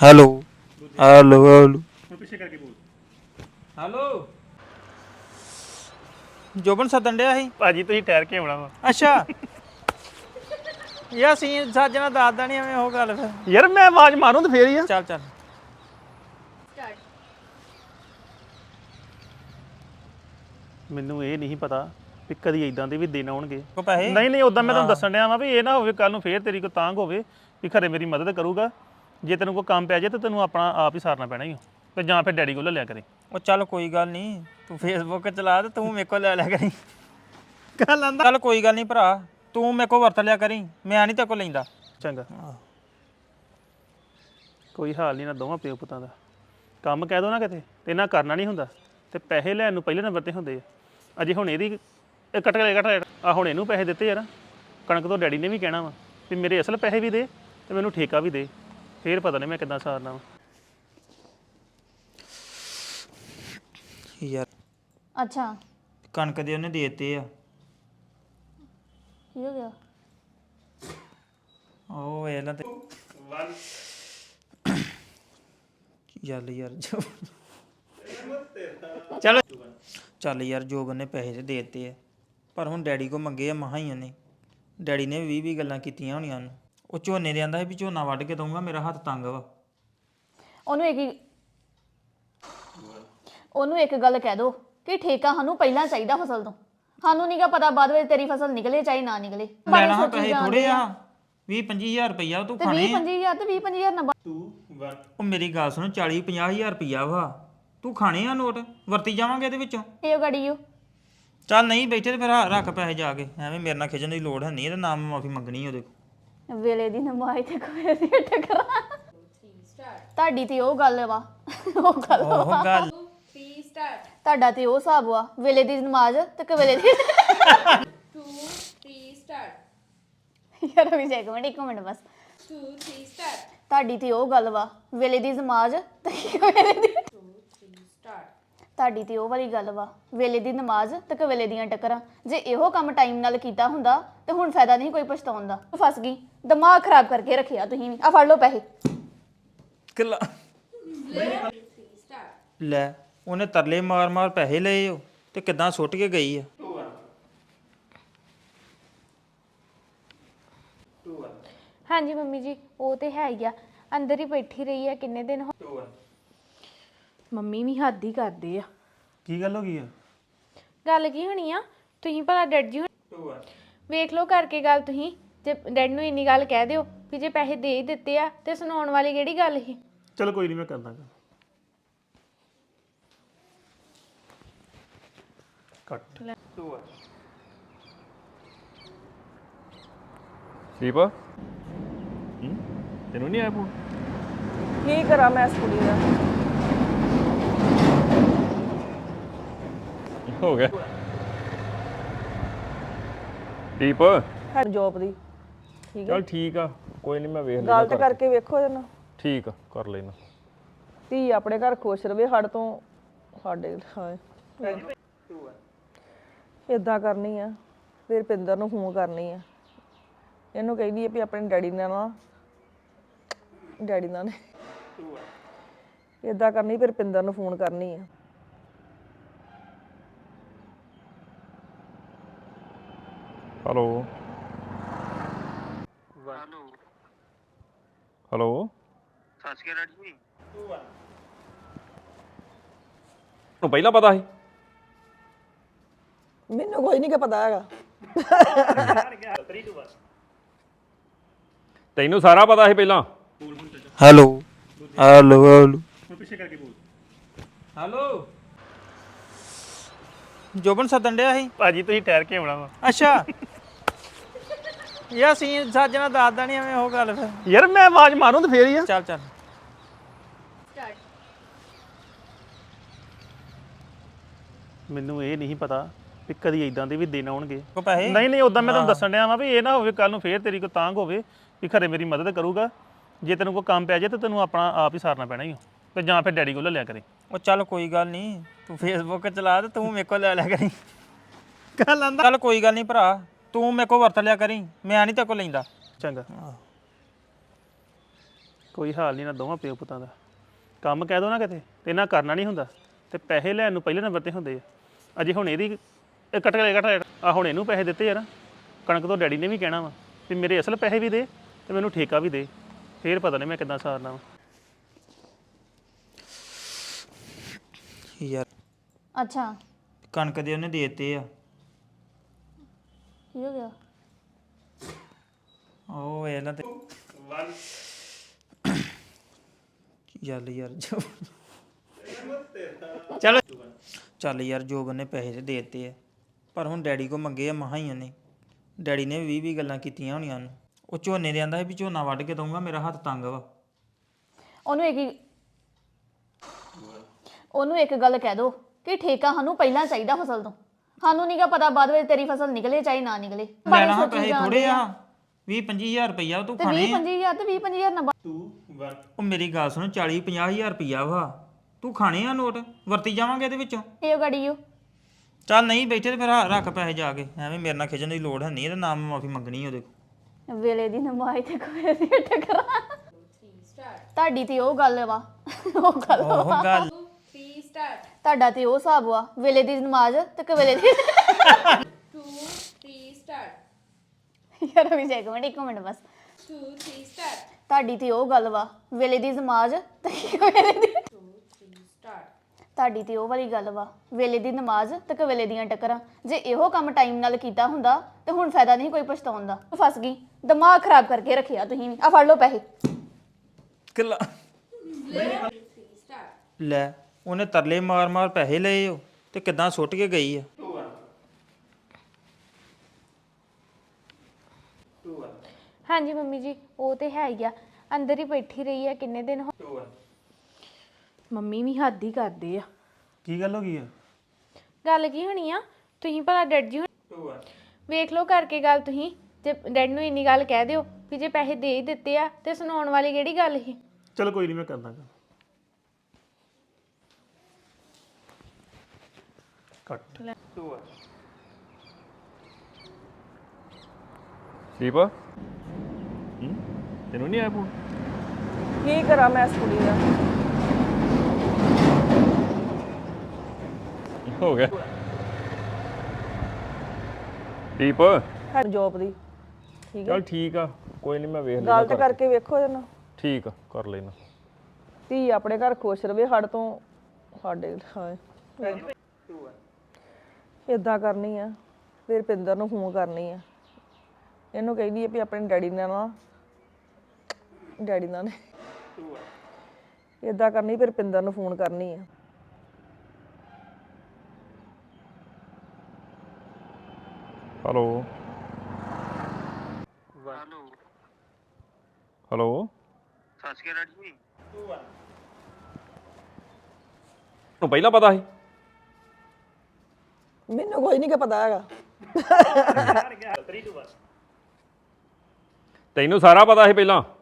Hello hello hello ਹੁਣ ਪਿੱਛੇ ਕਰਕੇ ਬੋਲ। ਹੈਲੋ ਜੋਬਨ ਸੱਦਣ ਡਿਆ ਸੀ ਭਾਜੀ ਤੁਸੀਂ ਠਹਿਰ ਕੇ ਆਉਣਾ ਵਾ। ਅੱਛਾ ਯਾ ਸੀ ਸਾਜਣਾ ਦੱਸਦਾ ਨਹੀਂ ਐਵੇਂ ਉਹ ਗੱਲ ਫਿਰ ਯਾਰ ਮੈਂ ਆਵਾਜ਼ ਮਾਰੂੰ ਤੇ ਫੇਰ ਹੀ ਆ। ਚੱਲ ਚੱਲ ਮੈਨੂੰ ਇਹ ਨਹੀਂ ਪਤਾ ਵੀ ਕਦੀ ਇਦਾਂ ਦੇ ਵੀ ਦਿਨ ਆਉਣਗੇ। ਕੋ ਪੈਸੇ ਨਹੀਂ ਨਹੀਂ ਉਦਾਂ ਮੈਂ ਤੁਹਾਨੂੰ ਆਹ। ਦੱਸਣ ਡਿਆ ਵਾਂ ਵੀ ਇਹ ਨਾ ਹੋਵੇ ਕੱਲ ਨੂੰ ਫੇਰ ਤੇਰੀ ਕੋਈ ਤਾਂਗ ਹੋਵੇ ਵੀ ਖਰੇ ਮੇਰੀ ਮਦਦ ਕਰੂਗਾ। ਜੇ ਤੈਨੂੰ ਕੋਈ ਕੰਮ ਪੈ ਜਾਏ ਤਾਂ ਤੈਨੂੰ ਆਪਣਾ ਆਪ ਹੀ ਸਾਰਨਾ ਪੈਣਾ ਹੀ ਤੇ ਜਾਂ ਫਿਰ ਡੈਡੀ ਕੋਲ ਲੈ ਲਿਆ ਕਰੇ। ਉਹ ਚੱਲ ਕੋਈ ਗੱਲ ਨਹੀਂ ਤੂੰ ਫੇਸਬੁੱਕ ਚਲਾ ਤੇ ਤੂੰ ਮੇਰੇ ਕੋਲ ਲੈ ਲਿਆ ਕਰੀ ਗੱਲ ਆਂਦਾ ਚੱਲ ਕੋਈ ਗੱਲ ਨਹੀਂ ਭਰਾ ਤੂੰ ਮੇਰੇ ਕੋਲ ਵਰਤ ਲਿਆ ਕਰੀ ਮੈਂ ਨਹੀਂ ਤੇਰੇ ਕੋਲ ਲੈਂਦਾ ਚੰਗਾ ਕੋਈ ਹਾਲ ਨਹੀਂ ਨਾ ਦੋਵਾਂ ਪਿਓ ਪੁੱਤਾਂ ਦਾ ਕੰਮ ਕਹਿ ਦੋ ਨਾ ਕਿਤੇ ਤੇ ਇਹਨਾਂ ਕਰਨਾ ਨਹੀਂ ਹੁੰਦਾ ਤੇ ਪੈਸੇ ਲੈਣ ਨੂੰ ਪਹਿਲੇ ਨੰਬਰ ਤੇ ਹੁੰਦੇ ਆ। ਅਜੇ ਹੁਣ ਇਹਦੀ ਇਹ ਕੱਟ ਆ ਹੁਣ ਇਹਨੂੰ ਪੈਸੇ ਦਿੱਤੇ ਯਾਰ ਕਣਕ ਤੋਂ ਡੈਡੀ ਨੇ ਵੀ ਕਹਿਣਾ ਵਾ ਵੀ ਮੇਰੇ ਅਸਲ ਪੈਸੇ ਵੀ ਦੇ ਤੇ ਮੈਨੂੰ ਠੇਕਾ ਵੀ ਦੇ ਫੇਰ ਪਤਾ ਨਹੀਂ ਮੈਂ ਕਿੱਦਾਂ ਸਾਰਨਾ ਵਾ। ਯਾਰ ਅੱਛਾ ਕਣਕ ਦੇ ਉਹਨੇ ਦੇ ਦਿੱਤੇ ਆ ਕੀ ਹੋ ਗਿਆ ਉਹ ਇਹਨਾਂ ਤੇ ਯਾਰ ਜੋ ਚੱਲ ਚੱਲ ਯਾਰ ਜੋਬਨ ਨੇ ਪੈਸੇ ਤੇ ਦੇ ਦਿੱਤੇ ਆ ਪਰ ਹੁਣ ਡੈਡੀ ਕੋ ਮੰਗੇ ਆ ਮਹਾ ਹੀ ਉਹਨੇ ਡੈਡੀ ਨੇ 20 ਗੱਲਾਂ ਕੀਤੀਆਂ ਹੋਣੀਆਂ ਨੂੰ ਉਹ ਝੋਨੇ ਦੇ ਆਂਦਾ ਸੀ ਵੀ ਝੋਨਾ ਵੱਢ ਕੇ ਦਊਂਗਾ ਮੇਰਾ ਹੱਥ ਤੰਗ ਵਾ ਉਹਨੂੰ ਇੱਕ ਗੱਲ ਕਹਿ ਦੋ ਕਿ ਠੇਕਾ ਸਾਨੂੰ ਪਹਿਲਾਂ ਚਾਹੀਦਾ ਫਸਲ ਤੋਂ ਸਾਨੂੰ ਨਹੀਂਗਾ ਪਤਾ ਬਾਅਦ ਵਿੱਚ ਤੇਰੀ ਫਸਲ ਨਿਕਲੇ ਚਾਹੇ ਨਾ ਨਿਕਲੇ ਲੈਣਾ ਹਾਂ ਪੈਸੇ ਥੋੜੇ ਆ 20-25 ਰੁਪਈਆ ਤੂੰ ਖਾਣੇ 20-25 ਤੇ 20-25 ਨਾ 2 1 ਉਹ ਮੇਰੀ ਗੱਲ ਸੁਣ 40-50 ਰੁਪਈਆ ਵਾ ਤੂੰ ਖਾਣੇ ਆ ਨੋਟ ਵਰਤੀ ਜਾਵਾਂਗੇ ਇਹਦੇ ਵਿੱਚੋਂ ਇਹ ਗੜੀਓ ਚੱਲ ਨਹੀਂ ਬੈਠੇ ਤੇ ਫਿਰ ਰੱਖ ਪੈਸੇ ਜਾ ਕੇ ਐਵੇਂ ਮੇਰੇ ਨਾਲ ਖਿਜਣ ਦੀ ਲੋੜ ਹੈ ਨਹੀਂ ਇਹਦਾ ਨਾਮ ਮਾਫੀ ਮੰਗਣੀ ਉਹਦੇ ਕੋਲ ਵੇਲੇ ਦੀ ਨਮਾਜ਼ ਤੇ ਕੋਈ ਦੀ ਟਕਰਾ ਤੁਹਾਡੀ ਤੇ ਉਹ ਗੱਲ ਵਾ ਉਹ ਗੱਲ ਉਹ ਗੱਲ ਤੁਹਾਡਾ ਤੇ ਉਹ ਹਿਸਾਬ ਵਾ ਵੇਲੇ ਦੀ ਨਮਾਜ਼ ਤੇ ਕਵੇਲੇ ਦੀ 2 3 ਸਟਾਰਟ ਯਾਰ ਵੀ ਇੱਕ ਮਿੰਟ ਬਸ 2 3 ਸਟਾਰਟ ਤੁਹਾਡੀ ਤੇ ਉਹ ਗੱਲ ਵਾ ਵੇਲੇ ਦੀ ਨਮਾਜ਼ ਤੇ ਕਵੇਲੇ ਦੀ 2 3 ਸਟਾਰਟ ਤੁਹਾਡੀ ਤੇ ਉਹ ਵਾਲੀ ਗੱਲ ਵਾ ਵੇਲੇ ਦੀ ਨਮਾਜ਼ ਤੇ ਕਵੇਲੇ ਦੀਆਂ ਟੱਕਰਾਂ ਜੇ ਇਹੋ ਕੰਮ ਟਾਈਮ ਨਾਲ ਕੀਤਾ ਹੁੰਦਾ ਤੇ ਹੁਣ ਫਾਇਦਾ ਨਹੀਂ ਕੋਈ ਪਛਤਾਉਣ ਦਾ ਫਸ ਗਈ ਦਿਮਾਗ ਖਰਾਬ ਕਰਕੇ ਰੱਖਿਆ ਤੁਸੀਂ ਵੀ ਆ ਫੜ ਲਓ ਪੈਸੇ ਕਿਲਾ ਲੈ ਉਹਨੇ ਤਰਲੇ ਮਾਰ ਪੈਸੇ ਲਏ ਉਹ ਤੇ ਕਿਦਾਂ ਸੁੱਟ ਕੇ ਗਈ ਆ ਹਾਂਜੀ ਮੰਮੀ ਜੀ ਉਹ ਤੇ ਹੈ ਹੀ ਆ ਅੰਦਰ ਹੀ ਬੈਠੀ ਰਹੀ ਆ ਕਿੰਨੇ ਦਿਨ ਮੰਮੀ ਵੀ ਹੱਦ ਹੀ ਕਰਦੇ ਆ ਕੀ ਗੱਲ ਹੋ ਗਈ ਆ? ਗੱਲ ਕੀ ਹੋਣੀ ਆ ਤੁਸੀਂ ਭਲਾ ਡੈਡ ਜੀ ਵੇਖ ਲਓ ਕਰਕੇ ਗੱਲ ਤੁਸੀਂ ਜੇ ਡੈਡ ਨੂੰ ਇੰਨੀ ਗੱਲ ਕਹਿ ਦਿਓ ਵੀ ਜੇ ਪੈਸੇ ਦੇ ਹੀ ਦਿੱਤੇ ਆ ਤੇ ਸੁਣਾਉਣ ਵਾਲੀ ਕਿਹੜੀ ਗੱਲ ਸੀ ਚਲੋ ਕੋਈ ਨਹੀਂ ਮੈਂ ਕਰਦਾ ਕੱਟ ਦੀਪ ਤੈਨੂੰ ਨਹੀਂ ਆਇਆ ਫੋਨ ਕੀ ਕਰਾਂ ਮੈਂ ਇਸ ਕੁੜੀ ਦਾ ਹੋ ਗਿਆ ਦੀਪ ਹੈ ਜੋਬ ਦੀ ਠੀਕ ਹੈ ਚਲ ਠੀਕ ਆ ਕੋਈ ਨਹੀਂ ਮੈਂ ਵੇਖ ਗੱਲ ਲੈਣਾ ਤੇ ਕਰਕੇ ਵੇਖੋ ਇਹਨੂੰ ਠੀਕ ਆ ਕਰ ਲੈਣਾ ਧੀ ਆਪਣੇ ਘਰ ਖੁਸ਼ ਰਵੇ ਸਾਡੇ ਤੋਂ ਸਾਡੇ ਹਾਏ ਇਦਾਂ ਕਰਨੀ ਆ ਫਿਰ ਪਿੰਦਰ ਨੂੰ ਫੋਨ ਕਰਨੀ ਆ ਇਹਨੂੰ ਕਹਿੰਦੀ ਆ ਵੀ ਆਪਣੇ ਡੈਡੀ ਨਾਲ ਇਦਾਂ ਕਰਨੀ ਫਿਰ ਪਿੰਦਰ ਨੂੰ ਫੋਨ ਕਰਨੀ ਆ ਹੈਲੋ ਹੈਲੋ ਸਤਿ ਸ਼੍ਰੀ ਅਕਾਲ ਜੀ ਨੂੰ ਪਹਿਲਾਂ ਪਤਾ ਸੀ ਮੈਨੂੰ ਕੋਈ ਨਹੀਂ ਕਿ ਪਤਾ ਹੈਗਾ ਤੈਨੂੰ ਸਾਰਾ ਪਤਾ ਸੀ ਪਹਿਲਾਂ ਹੈਲੋ ਹੈਲੋ ਹੈਲੋ ਹੁਣ ਪਿੱਛੇ ਕਰਕੇ ਬੋਲ। ਹੈਲੋ ਜੋਬਨ ਸੱਦਣ ਡਿਆ ਸੀ ਭਾਜੀ ਤੁਸੀਂ ਠਹਿਰ ਕੇ ਆਉਣਾ ਵਾ। ਅੱਛਾ ਯਾ ਸੀ ਸਾਜਣਾ ਦੱਸਦਾ ਨਹੀਂ ਐਵੇਂ ਉਹ ਗੱਲ ਫਿਰ ਯਾਰ ਮੈਂ ਆਵਾਜ਼ ਮਾਰੂੰ ਤੇ ਫੇਰ ਹੀ ਆ। ਚੱਲ ਚੱਲ ਮੈਨੂੰ ਇਹ ਨਹੀਂ ਪਤਾ ਵੀ ਕਦੀ ਇਦਾਂ ਦੇ ਵੀ ਦਿਨ ਆਉਣਗੇ। ਕੋ ਪੈਸੇ ਨਹੀਂ ਨਹੀਂ ਉਦਾਂ ਮੈਂ ਤੁਹਾਨੂੰ ਦੱਸਣ ਡਿਆ ਵਾਂ ਵੀ ਇਹ ਨਾ ਹੋਵੇ ਕੱਲ ਨੂੰ ਫੇਰ ਤੇਰੀ ਕੋਈ ਤਾਂਗ ਹੋਵੇ ਵੀ ਖਰੇ ਮੇਰੀ ਮਦਦ ਕਰੂਗਾ। ਜੇ ਤੈਨੂੰ ਕੋਈ ਕੰਮ ਪੈ ਜਾਏ ਤਾਂ ਤੈਨੂੰ ਆਪਣਾ ਆਪ ਹੀ ਸਾਰਨਾ ਪੈਣਾ ਹੀ ਤੇ ਜਾਂ ਫਿਰ ਡੈਡੀ ਕੋਲ ਲੈ ਲਿਆ ਕਰੇ। ਉਹ ਚੱਲ ਕੋਈ ਗੱਲ ਨਹੀਂ ਤੂੰ ਫੇਸਬੁੱਕ ਚਲਾ ਤੇ ਤੂੰ ਮੇਰੇ ਕੋਲ ਲੈ ਲਿਆ ਕਰੀ ਗੱਲ ਆਂਦਾ ਚੱਲ ਕੋਈ ਗੱਲ ਨਹੀਂ ਭਰਾ ਤੂੰ ਮੇਰੇ ਕੋਲ ਵਰਤ ਲਿਆ ਕਰੀ ਮੈਂ ਨਹੀਂ ਤੇਰੇ ਕੋਲ ਲੈਂਦਾ ਚੰਗਾ ਕੋਈ ਹਾਲ ਨਹੀਂ ਨਾ ਦੋਵਾਂ ਪਿਓ ਪੁੱਤਾਂ ਦਾ ਕੰਮ ਕਹਿ ਦੋ ਨਾ ਕਿਤੇ ਤੇ ਇਹਨਾਂ ਕਰਨਾ ਨਹੀਂ ਹੁੰਦਾ ਤੇ ਪੈਸੇ ਲੈਣ ਨੂੰ ਪਹਿਲੇ ਨੰਬਰ ਤੇ ਹੁੰਦੇ ਆ ਅਜੇ ਹੁਣ ਇਹਦੀ ਇਹ ਕੱਟ ਆ ਹੁਣ ਇਹਨੂੰ ਪੈਸੇ ਦਿੱਤੇ ਯਾਰ ਕਣਕ ਤੋਂ ਡੈਡੀ ਨੇ ਵੀ ਕਹਿਣਾ ਵਾ ਵੀ ਮੇਰੇ ਅਸਲ ਪੈਸੇ ਵੀ ਦੇ ਤੇ ਮੈਨੂੰ ਠੇਕਾ ਵੀ ਦੇ ਫੇਰ ਪਤਾ ਨਹੀਂ ਮੈਂ ਕਿੱਦਾਂ ਸਾਰਨਾ ਵਾ ਯਾਰ ਅੱਛਾ ਕਣਕ ਦੇ ਉਹਨੇ ਦੇ ਦਿੱਤੇ ਆ ਕੀ ਹੋ ਗਿਆ ਉਹ ਇਹਨਾਂ ਤੇ ਯਾਰ ਚੱਲ ਯਾਰ ਜੋਬਨ ਨੇ ਪੈਸੇ ਤੇ ਦੇ ਦਿੱਤੇ ਆ ਪਰ ਹੁਣ ਡੈਡੀ ਕੋ ਮੰਗੇ ਆ ਮਹਾ ਹੀ ਉਹਨੇ ਡੈਡੀ ਨੇ 20 ਗੱਲਾਂ ਕੀਤੀਆਂ ਹੋਣੀਆਂ ਨੂੰ ਉਹ ਝੋਨੇ ਦੇ ਆਂਦਾ ਸੀ ਵੀ ਝੋਨਾ ਵੱਢ ਕੇ ਦਊਂਗਾ ਮੇਰਾ ਹੱਥ ਤੰਗ ਵਾ ਉਹਨੂੰ ਇੱਕ ਗੱਲ ਕਹਿ ਦੋ ਕਿ ਠੇਕਾ ਸਾਨੂੰ ਪਹਿਲਾਂ ਚਾਹੀਦਾ ਫਸਲ ਤੋਂ ਸਾਨੂੰ ਨਹੀਂਗਾ ਪਤਾ ਬਾਅਦ ਵਿੱਚ ਤੇਰੀ ਫਸਲ ਨਿਕਲੇ ਚਾਹੇ ਨਾ ਨਿਕਲੇ ਲੈਣਾ ਹਾਂ ਪੈਸੇ ਥੋੜੇ ਆ 20-25 ਹਜ਼ਾਰ ਤੂੰ ਖਾਣੇ 20-25 ਤੇ 20-25 ਨਾ ਉਹ ਮੇਰੀ ਗੱਲ ਸੁਣ 40-50 ਰੁਪਈਆ ਵਾ ਤੂੰ ਖਾਣੇ ਆ ਨੋਟ ਵਰਤੀ ਜਾਵਾਂਗੇ ਇਹਦੇ ਵਿੱਚੋਂ ਇਹ ਗੜੀਓ ਚੱਲ ਨਹੀਂ ਬੈਠੇ ਤੇ ਫਿਰ ਰੱਖ ਪੈਸੇ ਜਾ ਕੇ ਐਵੇਂ ਮੇਰੇ ਨਾਲ ਖਿਜਣ ਦੀ ਲੋੜ ਹੈ ਨਹੀਂ ਇਹਦਾ ਨਾਮ ਮਾਫੀ ਮੰਗਣੀ ਉਹਦੇ ਕੋਲ ਵੇਲੇ ਦੀ ਨਮਾਜ਼ ਤੇ ਕੋਈ ਦੀ ਟਕਰਾ ਤੁਹਾਡੀ ਤੇ ਉਹ ਗੱਲ ਵਾ ਉਹ ਗੱਲ ਵਾ। ਉਹ ਗੱਲ 3 start ਤੁਹਾਡਾ ਤੇ ਉਹ ਹਿਸਾਬ ਵਾ ਵੇਲੇ ਦੀ ਨਮਾਜ਼ ਤੇ ਕਵੇਲੇ ਦੀ 2 3 start ਯਾਰ ਵੀ ਇੱਕ ਮਿੰਟ ਬਸ 2 3 start ਤੁਹਾਡੀ ਤੇ ਉਹ ਗੱਲ ਵਾ ਵੇਲੇ ਦੀ ਨਮਾਜ਼ ਤੇ ਕਵੇਲੇ ਦੀ 2 3 start ਤੁਹਾਡੀ ਤੇ ਉਹ ਵਾਲੀ ਗੱਲ ਵਾ ਵੇਲੇ ਦੀ ਨਮਾਜ਼ ਤੇ ਕਵੇਲੇ ਦੀਆਂ ਟੱਕਰਾਂ ਜੇ ਇਹੋ ਕੰਮ ਟਾਈਮ ਨਾਲ ਕੀਤਾ ਹੁੰਦਾ ਤੇ ਹੁਣ ਫਾਇਦਾ ਨਹੀਂ ਕੋਈ ਪਛਤਾਉਣ ਦਾ ਫਸ ਗਈ ਦਿਮਾਗ ਖਰਾਬ ਕਰਕੇ ਰੱਖਿਆ ਤੁਸੀਂ ਵੀ ਆ ਫੜ ਲਓ ਪੈਸੇ ਕਿੱਲਾ 3 start ਲੈ ਉਹਨੇ ਤਰਲੇ ਮਾਰ ਪੈਸੇ ਲਏ ਉਹ ਤੇ ਕਿਦਾਂ ਸੁੱਟ ਕੇ ਗਈ ਆ ਹਾਂਜੀ ਮੰਮੀ ਜੀ ਉਹ ਤੇ ਹੈ ਹੀ ਆ ਅੰਦਰ ਹੀ ਬੈਠੀ ਰਹੀ ਆ ਕਿੰਨੇ ਦਿਨ ਮੰਮੀ ਵੀ ਹੱਦ ਹੀ ਕਰਦੇ ਆ ਕੀ ਗੱਲ ਹੋ ਗਈ ਆ ਗੱਲ ਕੀ ਹੋਣੀ ਆ ਤੁਸੀਂ ਭਲਾ ਡੈਡ ਜੀ ਵੇਖ ਲਓ ਕਰਕੇ ਗੱਲ ਤੁਸੀਂ ਜੇ ਡੈਡ ਨੂੰ ਇੰਨੀ ਗੱਲ ਕਹਿ ਦਿਓ ਵੀ ਜੇ ਪੈਸੇ ਦੇ ਹੀ ਦਿੱਤੇ ਆ ਤੇ ਸੁਣਾਉਣ ਵਾਲੀ ਕਿਹੜੀ ਗੱਲ ਸੀ ਚਲ ਕੋਈ ਨਹੀਂ ਮੈਂ ਕਰਦਾ ਗੱਲ ਕੱਟ ਦੀਪ ਤੈਨੂੰ ਨਹੀਂ ਆਇਆ ਫੋਨ ਕੀ ਕਰਾਂ ਮੈਂ ਇਸ ਕੁੜੀ ਦਾ ਹੋ ਗਿਆ ਦੀਪ ਹੈ ਜੋਬ ਦੀ ਠੀਕ ਹੈ ਚਲ ਠੀਕ ਆ ਕੋਈ ਨਹੀਂ ਮੈਂ ਵੇਖ ਗੱਲ ਲੈਣਾ ਤਾਂ ਕਰਕੇ ਵੇਖੋ ਇਹਦੇ ਨਾਲ ਠੀਕ ਆ ਕਰ ਲੈਣਾ ਧੀ ਆਪਣੇ ਘਰ ਖੁਸ਼ ਰਵੇ ਸਾਡੇ ਤੋਂ ਸਾਡੇ ਹਾਏ ਇਦਾਂ ਕਰਨੀ ਆ ਫਿਰ ਪਿੰਦਰ ਨੂੰ ਫੋਨ ਕਰਨੀ ਆ ਇਹਨੂੰ ਕਹਿੰਦੀ ਆ ਵੀ ਆਪਣੇ ਡੈਡੀ ਨਾਲ ਇਦਾਂ ਕਰਨੀ ਫਿਰ ਪਿੰਦਰ ਨੂੰ ਫੋਨ ਕਰਨੀ ਆ ਹੈਲੋ ਹੈਲੋ ਸਤਿ ਸ਼੍ਰੀ ਅਕਾਲ ਜੀ ਨੂੰ ਪਹਿਲਾਂ ਪਤਾ ਸੀ ਮੈਨੂੰ ਕੋਈ ਨਹੀਂ ਕਿ ਪਤਾ ਹੈਗਾ ਤੈਨੂੰ ਸਾਰਾ ਪਤਾ ਸੀ ਪਹਿਲਾਂ